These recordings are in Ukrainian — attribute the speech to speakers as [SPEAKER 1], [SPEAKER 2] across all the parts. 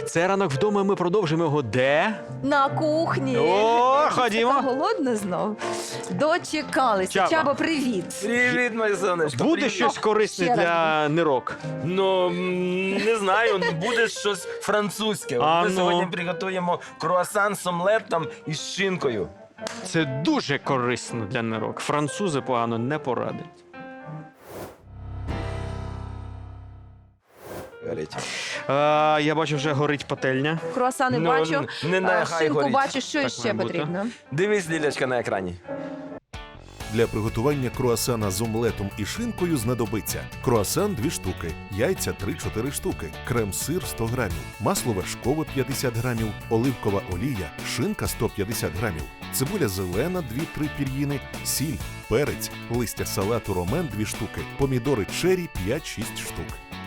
[SPEAKER 1] Це ранок вдома, ми продовжимо його де?
[SPEAKER 2] На кухні.
[SPEAKER 1] О,
[SPEAKER 2] Така
[SPEAKER 1] ходімо.
[SPEAKER 2] голодна знов. Дочекалися.
[SPEAKER 1] Чаба.
[SPEAKER 2] Чаба, привіт.
[SPEAKER 3] Привіт, моє сонечко.
[SPEAKER 1] Буде
[SPEAKER 3] Привіт.
[SPEAKER 1] щось корисне
[SPEAKER 2] ще раз.
[SPEAKER 1] для нирок?
[SPEAKER 3] Ну, не знаю, буде щось французьке.
[SPEAKER 1] А
[SPEAKER 3] Ми
[SPEAKER 1] ну.
[SPEAKER 3] сьогодні приготуємо круасан з омлетом і з шинкою.
[SPEAKER 1] Це дуже корисно для нирок. Французи погано не порадять.
[SPEAKER 3] Горить.
[SPEAKER 1] Я бачу, вже горить пательня.
[SPEAKER 2] Круасани
[SPEAKER 3] Ну,
[SPEAKER 2] бачу.
[SPEAKER 3] не нехай
[SPEAKER 2] Шинку
[SPEAKER 3] горить.
[SPEAKER 2] бачу, що
[SPEAKER 1] Так
[SPEAKER 2] ще
[SPEAKER 1] має бути.
[SPEAKER 2] потрібно.
[SPEAKER 3] Дивись, Лілячка, на екрані.
[SPEAKER 4] Для приготування круасана з омлетом і шинкою знадобиться круасан 2 штуки, яйця 3-4 штуки, крем-сир 100 грамів, масло вершкове 50 грамів, оливкова олія, шинка 150 грамів, цибуля зелена 2-3 пір'їни, сіль, перець, листя салату ромен 2 штуки, помідори чері 5-6 штук.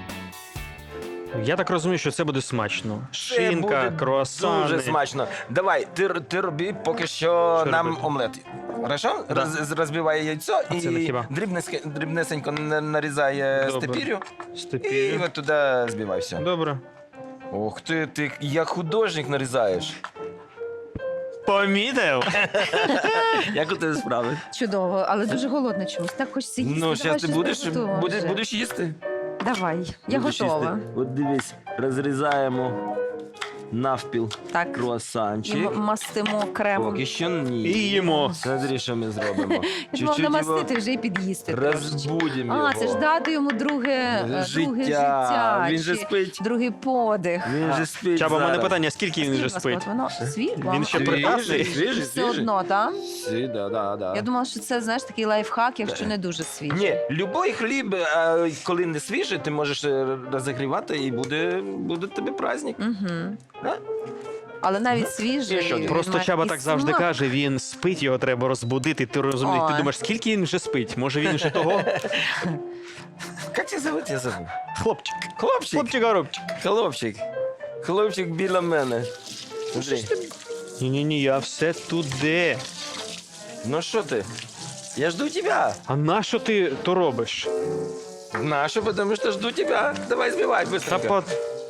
[SPEAKER 1] Я так розумію, що це буде смачно.
[SPEAKER 3] Це
[SPEAKER 1] Шинка,
[SPEAKER 3] буде
[SPEAKER 1] круасани.
[SPEAKER 3] Дуже смачно. Давай, ти роби поки що нам
[SPEAKER 1] робити?
[SPEAKER 3] омлет. Хорошо?
[SPEAKER 1] Да.
[SPEAKER 3] Розбивай яйцо
[SPEAKER 1] А це не
[SPEAKER 3] і
[SPEAKER 1] хіба?
[SPEAKER 3] дрібнесенько нарізай
[SPEAKER 1] Добре.
[SPEAKER 3] степірю. І
[SPEAKER 1] Степірю.
[SPEAKER 3] от туди збивай все.
[SPEAKER 1] Добре.
[SPEAKER 3] Ух ти як художник нарізаєш.
[SPEAKER 1] Помітив?
[SPEAKER 3] Як у тебе справи?
[SPEAKER 2] Чудово, але дуже голодно чомусь. Так хочеться їсти.
[SPEAKER 3] Ну,
[SPEAKER 2] Давай
[SPEAKER 3] зараз ти
[SPEAKER 2] щось приготуємо вже.
[SPEAKER 3] будеш їсти.
[SPEAKER 2] Давай, я
[SPEAKER 3] Будеш
[SPEAKER 2] готова.
[SPEAKER 3] їсти. От дивись, розрізаємо навпіл
[SPEAKER 2] Так.
[SPEAKER 3] круасанчик.
[SPEAKER 2] І мастимо кремом.
[SPEAKER 3] Поки що ні.
[SPEAKER 1] І їмо.
[SPEAKER 3] Смотри, що ми зробимо.
[SPEAKER 2] Я думала, намастити вже і під'їсти трошечки.
[SPEAKER 3] розбудимо його.
[SPEAKER 2] А, це ж дати йому друге життя.
[SPEAKER 3] Він же
[SPEAKER 2] чи
[SPEAKER 3] спить.
[SPEAKER 2] другий подих.
[SPEAKER 3] Він же спить
[SPEAKER 1] Чаба, у мене
[SPEAKER 3] зараз.
[SPEAKER 1] питання, скільки він вже
[SPEAKER 2] Скажіть, будь
[SPEAKER 1] спить?
[SPEAKER 2] ласка, от Воно світло.
[SPEAKER 1] Він ще
[SPEAKER 3] Свіжий,
[SPEAKER 1] прекрасний.
[SPEAKER 3] свіжий,
[SPEAKER 2] Все
[SPEAKER 3] свіжий.
[SPEAKER 2] одно, так?
[SPEAKER 3] Да.
[SPEAKER 2] Я думала, що це, знаєш, такий лайфхак, якщо не дуже свіжий.
[SPEAKER 3] Ні, любой хліб, коли не свіжий, ти можеш розігрівати і буде тобі праздник.
[SPEAKER 2] Угу.
[SPEAKER 3] Да?
[SPEAKER 2] Але навіть свіжий.
[SPEAKER 3] І що,
[SPEAKER 2] він
[SPEAKER 1] Просто
[SPEAKER 2] має
[SPEAKER 1] Чаба
[SPEAKER 2] і
[SPEAKER 1] так завжди
[SPEAKER 2] смак.
[SPEAKER 1] каже, він спить, його треба розбудити. Ти розумієш, ти
[SPEAKER 2] Ой.
[SPEAKER 1] думаєш, скільки він вже спить? Може він вже того?
[SPEAKER 3] Як тебе зовут? Я забув.
[SPEAKER 1] Хлопчик.
[SPEAKER 3] Хлопчик.
[SPEAKER 1] Хлопчик-горобчик.
[SPEAKER 3] Хлопчик. Хлопчик біля мене. Смотри.
[SPEAKER 1] Ні-ні-ні, я все туди.
[SPEAKER 3] Ну що ти? Я жду тебя.
[SPEAKER 1] А нащо ти то робиш?
[SPEAKER 3] Нашу, потому что жду тебя. Давай збивай
[SPEAKER 1] Та
[SPEAKER 3] быстренько.
[SPEAKER 1] по...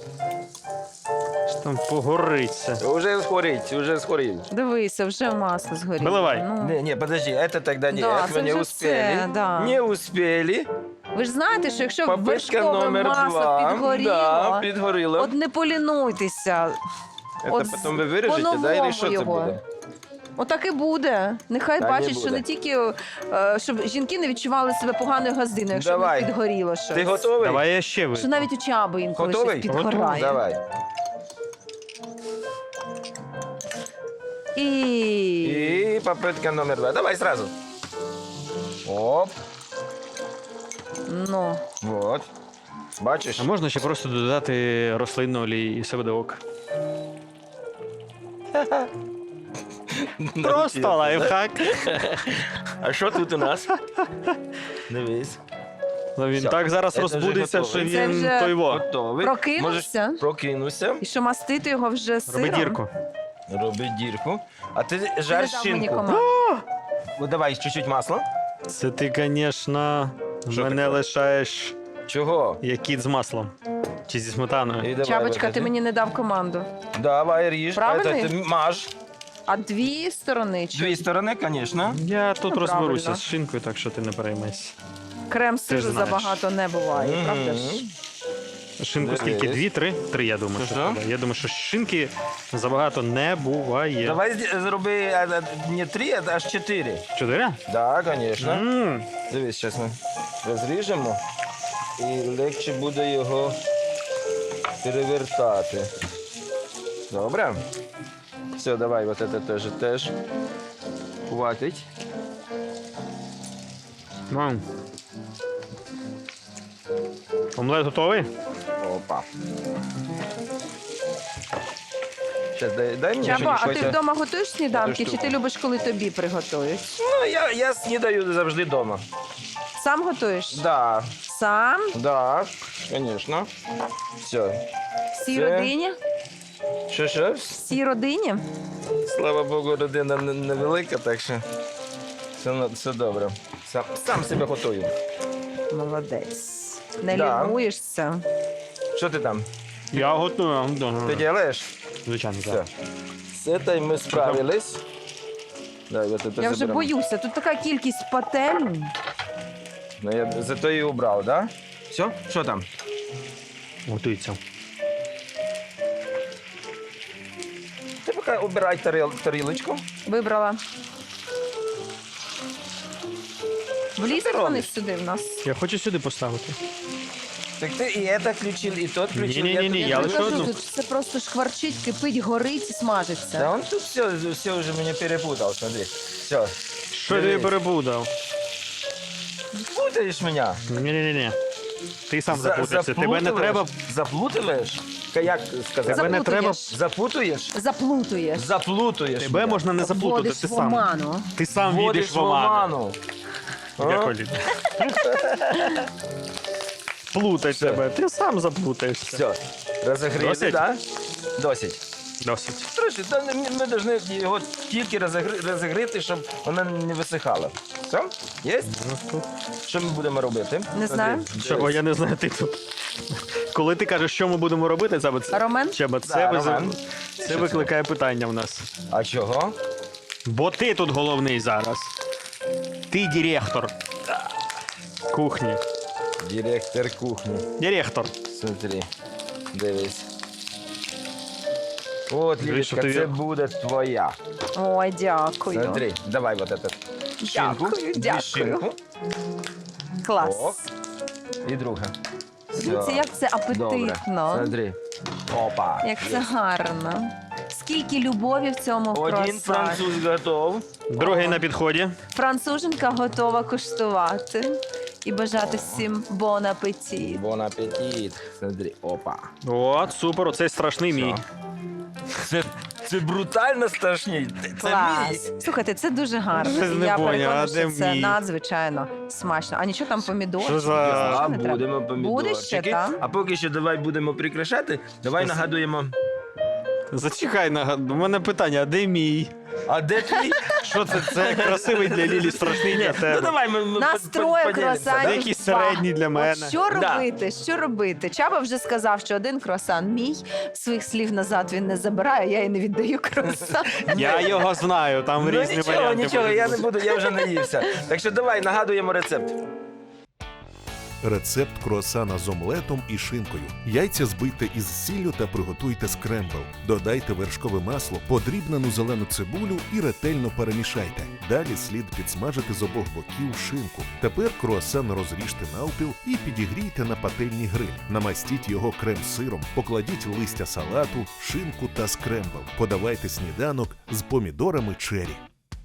[SPEAKER 1] Що там погориться.
[SPEAKER 3] Уже схорить, уже схорів.
[SPEAKER 2] Дивися, вже масло згоріло.
[SPEAKER 1] Виливай.
[SPEAKER 2] Ну.
[SPEAKER 3] Не, подожди, это тогда не,
[SPEAKER 2] Да,
[SPEAKER 3] этого
[SPEAKER 2] це
[SPEAKER 3] не
[SPEAKER 2] вже
[SPEAKER 3] успели.
[SPEAKER 2] все, да.
[SPEAKER 3] Не успели.
[SPEAKER 2] Ви ж знаєте, що якщо
[SPEAKER 3] Попитка
[SPEAKER 2] вершкове
[SPEAKER 3] номер
[SPEAKER 2] масло
[SPEAKER 3] 2.
[SPEAKER 2] підгоріло,
[SPEAKER 3] Да, підгоріло.
[SPEAKER 2] от не полінуйтеся.
[SPEAKER 3] Это
[SPEAKER 2] от
[SPEAKER 3] потом ви виріжете, да,
[SPEAKER 2] по-новому
[SPEAKER 3] или що це
[SPEAKER 2] його.
[SPEAKER 3] буде?
[SPEAKER 2] Отак і буде. Нехай
[SPEAKER 3] Та не
[SPEAKER 2] бачать, що
[SPEAKER 3] буде.
[SPEAKER 2] не тільки щоб жінки не відчували себе поганою газдиною, якщо
[SPEAKER 3] Давай.
[SPEAKER 2] в них підгоріло щось.
[SPEAKER 3] Ти готовий?
[SPEAKER 1] Давай я ще
[SPEAKER 2] Що
[SPEAKER 1] вийду.
[SPEAKER 2] навіть у Чаби інколи
[SPEAKER 3] Готовий?
[SPEAKER 2] щось підгорає.
[SPEAKER 3] Давай.
[SPEAKER 2] І...
[SPEAKER 3] І попитка номер 2. Давай сразу. Оп,
[SPEAKER 2] Ну,
[SPEAKER 3] вот. Бачиш?
[SPEAKER 1] А можна ще просто додати рослинну олії і все буде ок. Просто лайфхак.
[SPEAKER 3] А що тут у нас? Дивись.
[SPEAKER 1] Ну, він
[SPEAKER 3] Все,
[SPEAKER 1] так зараз
[SPEAKER 3] це вже
[SPEAKER 1] розбудеться, що
[SPEAKER 3] готовий.
[SPEAKER 2] Це
[SPEAKER 1] він
[SPEAKER 2] вже-
[SPEAKER 1] той во.
[SPEAKER 3] Готовий.
[SPEAKER 2] Прокинувся?
[SPEAKER 3] Можеш прокинувся.
[SPEAKER 2] і що мастити його вже сиром?
[SPEAKER 1] Роби дірку.
[SPEAKER 3] Роби дірку. А ти
[SPEAKER 2] Ти
[SPEAKER 3] жар
[SPEAKER 2] не дав мені
[SPEAKER 3] шинку.
[SPEAKER 2] команду.
[SPEAKER 3] Ну, давай чуть-чуть масла.
[SPEAKER 1] Це ти, звісно,
[SPEAKER 3] Що
[SPEAKER 1] мене
[SPEAKER 3] таке?
[SPEAKER 1] лишаєш
[SPEAKER 3] Чого?
[SPEAKER 1] як кіт з маслом. Чи зі сметаною.
[SPEAKER 3] І давай,
[SPEAKER 2] Чабочка, ти
[SPEAKER 3] виходи.
[SPEAKER 2] мені не дав команду.
[SPEAKER 3] Давай, ріж.
[SPEAKER 2] Правильно?
[SPEAKER 3] Это ти маж.
[SPEAKER 2] А дві сторони? Чи
[SPEAKER 3] Дві сторони, звісно.
[SPEAKER 1] Я тут
[SPEAKER 2] Ну,
[SPEAKER 1] розберуся
[SPEAKER 2] правильно.
[SPEAKER 1] з шинкою, так що ти не переймайся.
[SPEAKER 2] крем
[SPEAKER 1] Ти
[SPEAKER 2] сиру
[SPEAKER 1] ж знаєш.
[SPEAKER 2] забагато не буває, правда ж?
[SPEAKER 1] Шинку
[SPEAKER 3] Дивись.
[SPEAKER 1] скільки? 2, 3? 3, я думаю.
[SPEAKER 3] Що?
[SPEAKER 1] Що треба. Я думаю, що шинки забагато не буває.
[SPEAKER 3] Давай зроби не 3, а аж 4.
[SPEAKER 1] 4?
[SPEAKER 3] Так, звісно. Дивись, зараз ми розріжемо і легше буде його перевертати. Добре? Все, давай, вот это теж хватить.
[SPEAKER 1] Омлет готовий?
[SPEAKER 3] Опа. Сейчас дай мені
[SPEAKER 2] Чаба, а ти
[SPEAKER 3] щось.
[SPEAKER 2] вдома готуєш сніданки, чи
[SPEAKER 3] штуку.
[SPEAKER 2] ти любиш, коли тобі приготують?
[SPEAKER 3] Ну, я снідаю завжди вдома.
[SPEAKER 2] Сам готуєш?
[SPEAKER 3] Да,
[SPEAKER 2] Сам?
[SPEAKER 3] да, звісно. Все.
[SPEAKER 2] Всій
[SPEAKER 3] Це-
[SPEAKER 2] родині?
[SPEAKER 3] Що?
[SPEAKER 2] Всій родині?
[SPEAKER 3] Слава Богу, родина невелика, так що все добре. Сам себе готую.
[SPEAKER 2] Молодець. Не
[SPEAKER 3] Да.
[SPEAKER 2] лінуєшся.
[SPEAKER 3] Що ти там?
[SPEAKER 1] Я готую.
[SPEAKER 3] Ти делаєш?
[SPEAKER 1] Звичайно,
[SPEAKER 3] Все.
[SPEAKER 1] так.
[SPEAKER 3] З этой ми справились. Давай, вот это
[SPEAKER 2] Я вже
[SPEAKER 3] заберемо.
[SPEAKER 2] боюся, тут така кількість пательнь.
[SPEAKER 3] Ну, я зато і убрав, да? Все? Що там?
[SPEAKER 1] Готується.
[SPEAKER 3] Ти поки обирай тарілочку.
[SPEAKER 2] Вибрала. Влізуть вони
[SPEAKER 3] робиш?
[SPEAKER 2] сюди в нас.
[SPEAKER 1] Я хочу сюди поставити.
[SPEAKER 3] Так ти і це включив, і тот включив.
[SPEAKER 1] Ні-ні-ні,
[SPEAKER 3] тобі
[SPEAKER 1] я лише
[SPEAKER 3] кажу.
[SPEAKER 2] кажу,
[SPEAKER 1] одну.
[SPEAKER 2] тут все просто шкварчить, кипить, горить і смажиться.
[SPEAKER 3] Да он тут все уже меня перепутал, смотри. Все.
[SPEAKER 1] Що ти перебудав?
[SPEAKER 3] Путаешь меня.
[SPEAKER 1] Ні-ні-ні. Ти сам запутався. Тебе не треба.
[SPEAKER 3] Заплутываешь? Як сказати?
[SPEAKER 1] Тебе не треба.
[SPEAKER 3] Запутуєш?
[SPEAKER 2] Заплутуєш.
[SPEAKER 3] Заплутуєш.
[SPEAKER 1] Тебе
[SPEAKER 3] мене.
[SPEAKER 1] можна не заплутати.
[SPEAKER 2] Вводиш
[SPEAKER 1] Ти
[SPEAKER 2] в
[SPEAKER 1] сам.
[SPEAKER 2] оману.
[SPEAKER 1] Ти сам
[SPEAKER 3] Вводиш
[SPEAKER 1] війдеш в оману.
[SPEAKER 3] А?
[SPEAKER 1] Як Олі. Плутай
[SPEAKER 3] Все.
[SPEAKER 1] тебе. Ти сам заплутаєшся.
[SPEAKER 3] Все. Розогріли,
[SPEAKER 1] Досить?
[SPEAKER 3] да? Досить.
[SPEAKER 1] Досить.
[SPEAKER 3] Трошки, та ми повинні його тільки розігріти, щоб воно не висихало. Все? Є? Що ми будемо робити?
[SPEAKER 2] Не знаю.
[SPEAKER 1] Чого я не знаю, ти тут. Коли ти кажеш, що ми будемо робити, це
[SPEAKER 2] Ромен?
[SPEAKER 1] Чеба,
[SPEAKER 3] Да,
[SPEAKER 1] це
[SPEAKER 3] Роман.
[SPEAKER 1] це викликає питання в нас.
[SPEAKER 3] А чого?
[SPEAKER 1] Бо ти тут головний зараз. Ти директор кухні.
[SPEAKER 3] Директор кухні.
[SPEAKER 1] Директор.
[SPEAKER 3] Смотри, дивись. От,
[SPEAKER 1] Дивись, що
[SPEAKER 3] Лілечка,
[SPEAKER 1] ти-
[SPEAKER 3] це буде твоя.
[SPEAKER 2] Ой, дякую.
[SPEAKER 3] Смотри, давай вот этот. Шинку.
[SPEAKER 2] Дякую,
[SPEAKER 3] Дві
[SPEAKER 2] дякую.
[SPEAKER 3] шинку.
[SPEAKER 2] Клас.
[SPEAKER 3] О. І друга.
[SPEAKER 2] Дивіться, як це
[SPEAKER 3] Добре.
[SPEAKER 2] апетитно.
[SPEAKER 3] Смотри. Опа.
[SPEAKER 2] Як це гарно. Скільки любові в цьому
[SPEAKER 3] Один
[SPEAKER 2] круасані.
[SPEAKER 3] француз готов.
[SPEAKER 1] Другий на підході.
[SPEAKER 2] Француженка готова куштувати і бажати всім бон апетит.
[SPEAKER 3] Бон апетит. Смотри, опа.
[SPEAKER 1] От, супер, оцей страшний мій.
[SPEAKER 3] Це брутально страшний. Це мій.
[SPEAKER 2] Клас. Слухайте, це дуже гарно.
[SPEAKER 1] Щось не
[SPEAKER 2] Я
[SPEAKER 1] поняв,
[SPEAKER 2] переконана,
[SPEAKER 1] а
[SPEAKER 2] що
[SPEAKER 1] де
[SPEAKER 2] це
[SPEAKER 1] мій?
[SPEAKER 2] надзвичайно смачно. А нічого там помідорчики?
[SPEAKER 1] Що за-
[SPEAKER 3] А
[SPEAKER 2] Що не треба?
[SPEAKER 3] будемо
[SPEAKER 2] Буде ще,
[SPEAKER 3] помідорчики.
[SPEAKER 2] так?
[SPEAKER 3] А поки що давай будемо прикрашати. Давай нагадуємо.
[SPEAKER 1] Зачекай, у мене питання, а де мій?
[SPEAKER 3] А де твій?
[SPEAKER 1] Що це? Це красивий для Лілі, страшний для
[SPEAKER 3] Ну
[SPEAKER 1] тебе.
[SPEAKER 3] давай ми
[SPEAKER 2] Нас троє
[SPEAKER 3] поділимося,
[SPEAKER 2] круасанів.
[SPEAKER 3] да?
[SPEAKER 1] Якийсь середній для мене.
[SPEAKER 2] От що
[SPEAKER 3] Да.
[SPEAKER 2] робити? Що робити? Чаба вже сказав, що один круасан мій. Своїх слів назад він не забирає, я і не віддаю круасан.
[SPEAKER 1] Я його знаю, там
[SPEAKER 3] Ну
[SPEAKER 1] різні
[SPEAKER 3] нічого,
[SPEAKER 1] варіанти.
[SPEAKER 3] нічого,
[SPEAKER 1] можуть
[SPEAKER 3] я не
[SPEAKER 1] бути.
[SPEAKER 3] буду, я вже наївся. Так що давай нагадуємо рецепт.
[SPEAKER 4] Рецепт круасана з омлетом і шинкою. Яйця збийте із сіллю та приготуйте скрембл. Додайте вершкове масло, подрібнену зелену цибулю і ретельно перемішайте. Далі слід підсмажити з обох боків шинку. Тепер круасан розріжте навпіл і підігрійте на пательні гриль. Намастіть його крем-сиром, покладіть листя салату, шинку та скрембл. Подавайте сніданок з помідорами чері.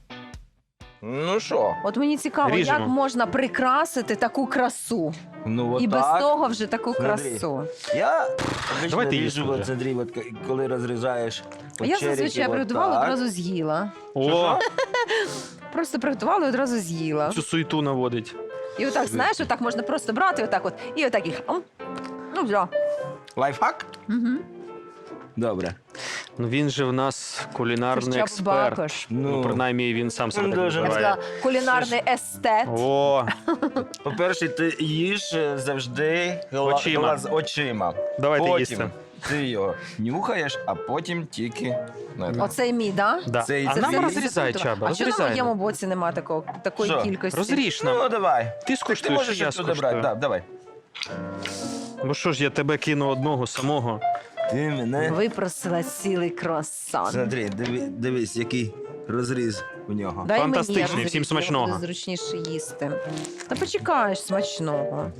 [SPEAKER 3] Ну що?
[SPEAKER 2] От мені цікаво,
[SPEAKER 1] Ріжемо.
[SPEAKER 2] як можна прикрасити таку красу.
[SPEAKER 3] Ну от
[SPEAKER 2] І без
[SPEAKER 3] так.
[SPEAKER 2] того вже таку
[SPEAKER 3] Смотри.
[SPEAKER 2] красу.
[SPEAKER 3] Я обично
[SPEAKER 1] Давайте
[SPEAKER 3] ріжу,
[SPEAKER 1] їсти
[SPEAKER 3] от,
[SPEAKER 1] вже.
[SPEAKER 3] смотри, от, коли розрізаєш.
[SPEAKER 2] А я
[SPEAKER 3] от черіки,
[SPEAKER 2] зазвичай
[SPEAKER 3] от
[SPEAKER 2] приготувала,
[SPEAKER 3] так.
[SPEAKER 2] одразу з'їла.
[SPEAKER 1] О,
[SPEAKER 2] Просто приготувала і одразу з'їла.
[SPEAKER 1] цю суету наводить.
[SPEAKER 2] І отак, знаєш, отак можна просто брати, отак от, і отак їх. Ну, все.
[SPEAKER 3] Лайфхак?
[SPEAKER 2] Угу.
[SPEAKER 3] Добре.
[SPEAKER 1] Ну він же в нас кулінарний
[SPEAKER 2] Чаб
[SPEAKER 1] експерт.
[SPEAKER 2] Бакош.
[SPEAKER 1] Ну, принаймні він сам себе
[SPEAKER 3] Ну,
[SPEAKER 1] так
[SPEAKER 3] дуже.
[SPEAKER 2] Я б
[SPEAKER 1] називає.
[SPEAKER 2] сказала, кулінарний естет.
[SPEAKER 1] О,
[SPEAKER 3] По-перше, ти їж завжди
[SPEAKER 1] Очима.
[SPEAKER 3] очима.
[SPEAKER 1] давайте
[SPEAKER 3] Потім
[SPEAKER 1] їсти.
[SPEAKER 3] ти його нюхаєш, а потім тільки.
[SPEAKER 2] Оцей мій, да?
[SPEAKER 1] Да.
[SPEAKER 3] Це і
[SPEAKER 1] А
[SPEAKER 3] це
[SPEAKER 1] нам
[SPEAKER 3] все
[SPEAKER 1] розрізай, Чаба,
[SPEAKER 2] А чого на
[SPEAKER 1] розрізай.
[SPEAKER 2] моєму боці нема такої
[SPEAKER 3] Що?
[SPEAKER 2] кількості?
[SPEAKER 1] Розріж нам.
[SPEAKER 3] Ну, давай.
[SPEAKER 1] Ти
[SPEAKER 3] Ти
[SPEAKER 1] скуштуєш,
[SPEAKER 3] можеш
[SPEAKER 1] що я
[SPEAKER 3] туди брати.
[SPEAKER 1] скуштую.
[SPEAKER 3] Да, давай.
[SPEAKER 1] Бо що ж, я тебе кину одного самого.
[SPEAKER 3] Ти мене.
[SPEAKER 2] Випросила цілий круасан.
[SPEAKER 3] Смотри, дивись, який розріз у нього.
[SPEAKER 2] Дай мені, я
[SPEAKER 1] Фантастичний,
[SPEAKER 2] розріжу,
[SPEAKER 1] всім
[SPEAKER 2] мені
[SPEAKER 1] смачного.
[SPEAKER 2] буде зручніше їсти. Та почекаєш смачного.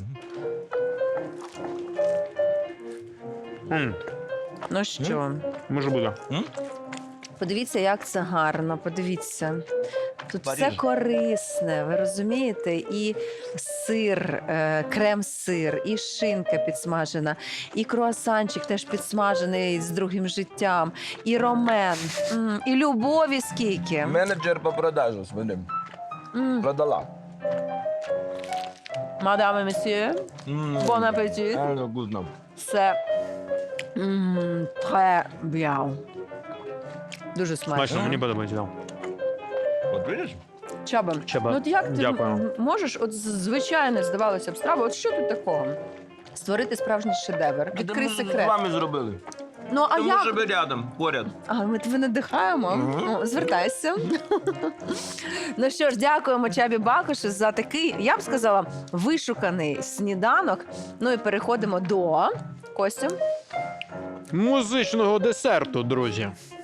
[SPEAKER 2] Ну що,
[SPEAKER 1] Може буде.
[SPEAKER 2] подивіться, як це гарно, подивіться. Тут все
[SPEAKER 3] Париж.
[SPEAKER 2] корисне, ви розумієте? І сир, крем-сир, і шинка підсмажена, і круасанчик теж підсмажений з другим життям, і ромен, і любові скільки.
[SPEAKER 3] Менеджер по продажу з мене продала.
[SPEAKER 2] Мадам і месьє, бон апетит.
[SPEAKER 3] Вкусно.
[SPEAKER 2] Це très bien. Дуже смачно.
[SPEAKER 1] Смачно, мені подобається. да.
[SPEAKER 3] От видиш?
[SPEAKER 2] Чаба,
[SPEAKER 1] Чаба,
[SPEAKER 2] ну от як ти
[SPEAKER 1] дякую.
[SPEAKER 2] можеш, от звичайно, здавалося б, страва, от що тут такого? створити справжній шедевр. Відкрий
[SPEAKER 3] Ми з
[SPEAKER 2] секрет.
[SPEAKER 3] вами зробили.
[SPEAKER 2] Ну, а
[SPEAKER 3] Тому
[SPEAKER 2] як?
[SPEAKER 3] що ви рядом, поряд.
[SPEAKER 2] А ми тебе надихаємо.
[SPEAKER 3] Мгм.
[SPEAKER 2] Ну, звертайся. Ну що ж, дякуємо Чабі Бакушу за такий, я б сказала, вишуканий сніданок. Ну і переходимо до Костю.
[SPEAKER 1] Музичного десерту, друзі.